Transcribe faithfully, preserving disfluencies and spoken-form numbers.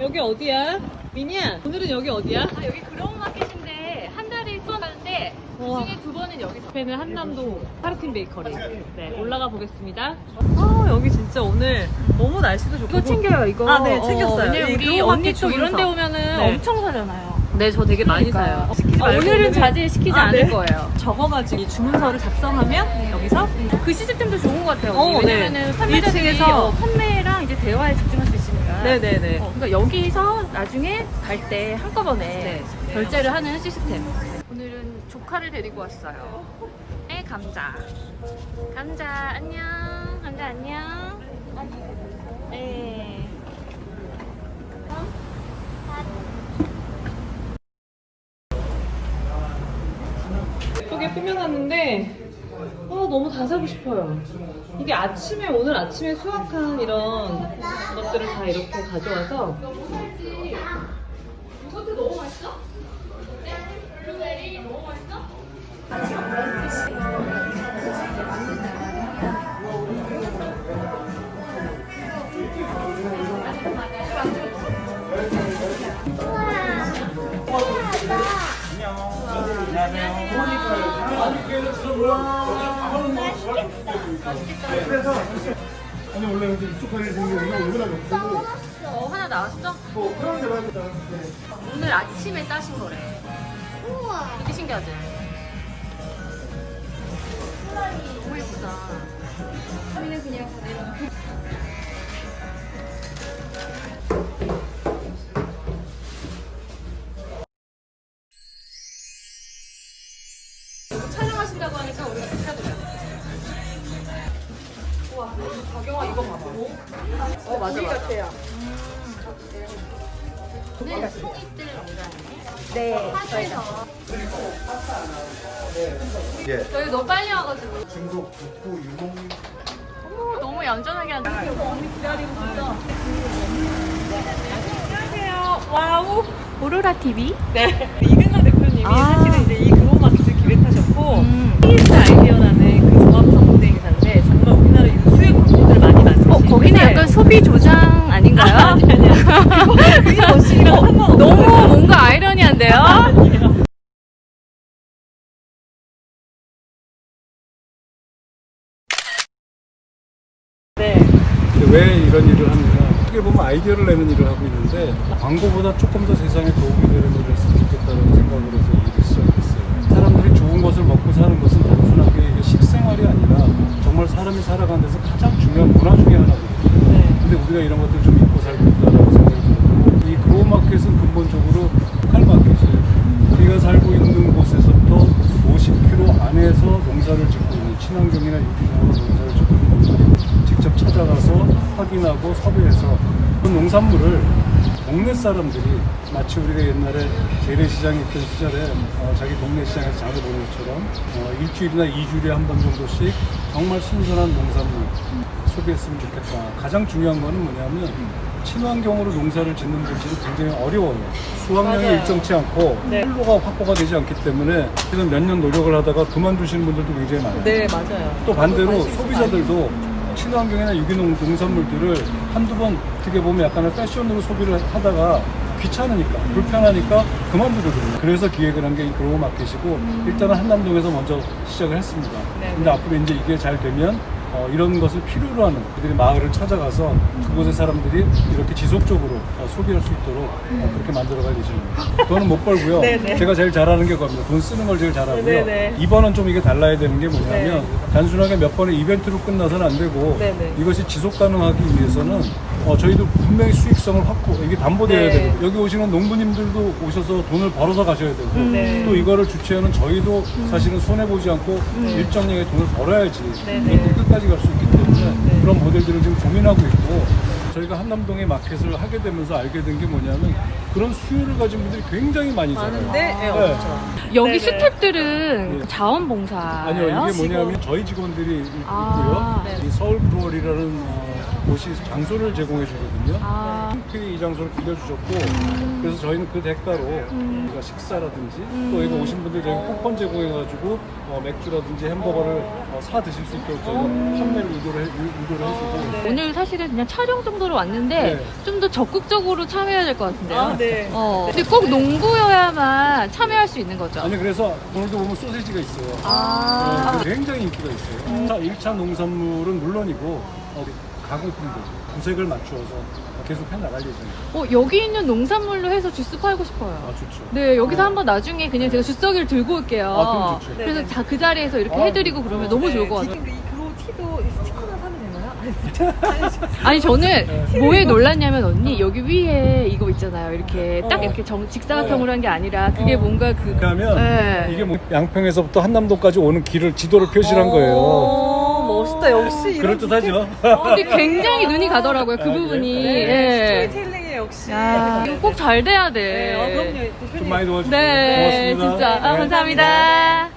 여기 어디야? 미니야, 오늘은 여기 어디야? 아, 여기 그라운 마켓인데 한 달에 수업하는데 그중에 두 번은 여기서. 옆에는 한남동 파르틴 베이커리. 네, 올라가 보겠습니다. 아, 여기 진짜 오늘 너무 날씨도 좋고. 이거 챙겨요, 이거. 아, 네, 챙겼어요. 왜냐면 이 우리 그라운 언니 마켓 또 이런 데 주문서. 오면은 네. 엄청 사잖아요. 네, 저 되게 많이 사요. 시키지 아, 말고 오늘은 오면은- 자제시키지 아, 않을 네. 거예요. 적어가지고 이 주문서를 작성하면 여기서 그 시스템도 좋은 것 같아요. 어, 네. 왜냐면은 판매자들이 일 층에서 어, 판매랑 이제 대화에 집중할 수 있으니까. 네네네. 어, 그러니까 여기서 나중에 갈 때 한꺼번에 네. 결제를 하는 시스템. 오늘은 조카를 데리고 왔어요. 네, 감자. 감자 안녕. 감자 안녕. 네. 예쁘게 꾸며놨는데 아, 너무 다 사고 싶어요. 이게 아침에 오늘 아침에 수확한 이런 것들을 다 이렇게 가져와서 이것도 너무 맛있어? 블루베리 너무 맛있어? 아니 원래 근데 이쪽 다리 생기는 거 이거나 없고 어, 하나 나왔어? 뭐 그런 데 맞다. 오늘 아침에 따신 거래. 우와. 되게 신기하지? 너무 예쁘다. 우리는 그냥 촬영하신다고 하니까 우리가 축하드려요. 우와, 박영아 이거 봐봐. 어, 맞아, 맞아. 같아요. 오늘 송이들 농장이네. 네. 파주에서. 예. 저희 너무 빨리 와가지고. 중국 북부 유목 어머, 너무 얌전하게 한다. 언니 기다리고 있어. 안녕하세요. 와우. 오로라 티비. 네, 이근석 대표님이 아. 사실은 이제 이 그로마켓을 기획하셨고 음. 피에스 아이디어라는 그 종합성 무대 행사인데 정말 우리나라 유수의 광고들 많이 만드시는 어, 거기는 약간 소비 조장 아닌가요? 아니 아니야. 그게 머신이랑 상관없어요. 너무 뭔가 아이러니한데요? 아니에요. 네. 근데 왜 이런 일을 하느냐? 어떻게 보면 아이디어를 내는 일을 하고 있는데 광고보다 조금 더 세상에 도움이 되는 일을 했으면 좋겠다는 생각을 해서 일을 시작했어요. 사람들이 좋은 것을 먹고 사는 것은 단순하게 이게 식생활이 아니라 정말 사람이 살아가는 데서 가장 중요한 문화 중에 하나거든요. 네. 근데 우리가 이런 것들 좀 잊고 살고 있다라고 생각이 들고 이 그로우마켓은 근본적으로 로컬 마켓이에요. 우리가 살고 있는 곳에서부터 오십 킬로미터 안에서 농사를 짓고 있는 친환경이나 유기농으로 농사를 짓고 있는 분들이 직접 찾아가서 확인하고 섭외해서 그 농산물을 동네 사람들이 마치 우리가 옛날에 재래시장에 있던 시절에 어, 자기 동네 시장에서 장을 보는 것처럼 어, 일주일이나 이주일에 한 번 정도씩 정말 신선한 농산물 소비했으면 좋겠다. 가장 중요한 거는 뭐냐면 친환경으로 농사를 짓는 분들이 굉장히 어려워요. 수확량이 맞아요. 일정치 않고 네. 판로가 확보가 되지 않기 때문에 지금 몇 년 노력을 하다가 그만두시는 분들도 굉장히 많아요. 네, 맞아요. 또 반대로 관심 있어 소비자들도 친환경이나 유기농 농산물들을 한두 번 어떻게 보면 약간의 패션으로 소비를 하다가 귀찮으니까 불편하니까 그만두거든요. 그래서 기획을 한 게 이 그로우 마켓이고 일단은 한남동에서 먼저 시작을 했습니다. 네. 근데 앞으로 이제 이게 잘 되면 어, 이런 것을 필요로 하는 그들이 마을을 찾아가서 그곳의 사람들이 이렇게 지속적으로 어, 소비할 수 있도록 어, 그렇게 만들어갈 예정입니다. 돈은 못 벌고요. 네네. 제가 제일 잘하는 게 겁니다. 돈 쓰는 걸 제일 잘하고요. 네네. 이번은 좀 이게 달라야 되는 게 뭐냐면 네. 단순하게 몇 번의 이벤트로 끝나서는 안 되고 네네. 이것이 지속 가능하기 위해서는 어, 저희도 분명히 수익성을 확보, 이게 담보돼야 네. 되고 여기 오시는 농부님들도 오셔서 돈을 벌어서 가셔야 되고 네. 또 이거를 주최하는 저희도 사실은 손해보지 않고 일정량의 돈을 벌어야지 네네. 이것도 끝까지 갈 수 있기 때문에 네. 그런 모델들을 지금 고민하고 있고 저희가 한남동에 마켓을 하게 되면서 알게 된 게 뭐냐면 그런 수요를 가진 분들이 굉장히 많이 살아요. 많은데 네, 네. 없죠. 여기 네네. 스탭들은 네. 자원봉사예요? 아니요, 이게 지금. 뭐냐면 저희 직원들이 있- 아, 있고요. 네. 이 서울 브루어리라는 어, 곳이 장소를 제공해 주거든요. 아. 이 장소를 빌려주셨고 그래서 저희는 그 대가로 우리가 식사라든지 또 여기 오신 분들 저희 쿠폰 제공해가지고 어, 맥주라든지 햄버거를 어, 사 드실 수 있도록 저희가 판매를 유도를, 해, 유- 유도를 해주고 오늘 사실은 그냥 촬영 정도로 왔는데 네. 좀 더 적극적으로 참여해야 될 것 같은데요. 아, 네. 어. 근데 꼭 농부여야만 참여할 수 있는 거죠. 아니 그래서 오늘도 보면 소세지가 있어요. 아. 네, 굉장히 인기가 있어요. 자, 일 차 농산물은 물론이고 어, 가공품들 구색을 맞추어서 계속 해나갈 예정이에요. 어, 여기 있는 농산물로 해서 주스 팔고 싶어요. 아 좋죠. 네, 여기서 한번 나중에 그냥 제가 주석이를 들고 올게요. 아, 그럼 좋죠. 그래서 네네. 자, 그 자리에서 이렇게 아, 해드리고 그러면 너무 좋을 것 같아요. 지금 이 그로 티도 이 스티커나 사면 되나요? 아니 저는 뭐에 놀랐냐면 언니 여기 위에 이거 있잖아요. 이렇게 딱 어. 이렇게 정, 직사각형으로 한 게 아니라 그게 뭔가 그 그러면 네. 이게 뭐 양평에서부터 한남동까지 오는 길을 지도를 표시를 한 거예요. 오, 멋있다. 역시 이런 그럴듯하죠? 근데 굉장히 눈이 가더라고요. 그 아, 그래요? 부분이. 네. 예. 스토리텔링에 역시. 야, 이거 꼭 잘 돼야 돼. 네. 네, 어, 그럼요. 대표님. 좀 많이 도와주세요. 네, 고맙습니다. 진짜. 아, 네. 감사합니다.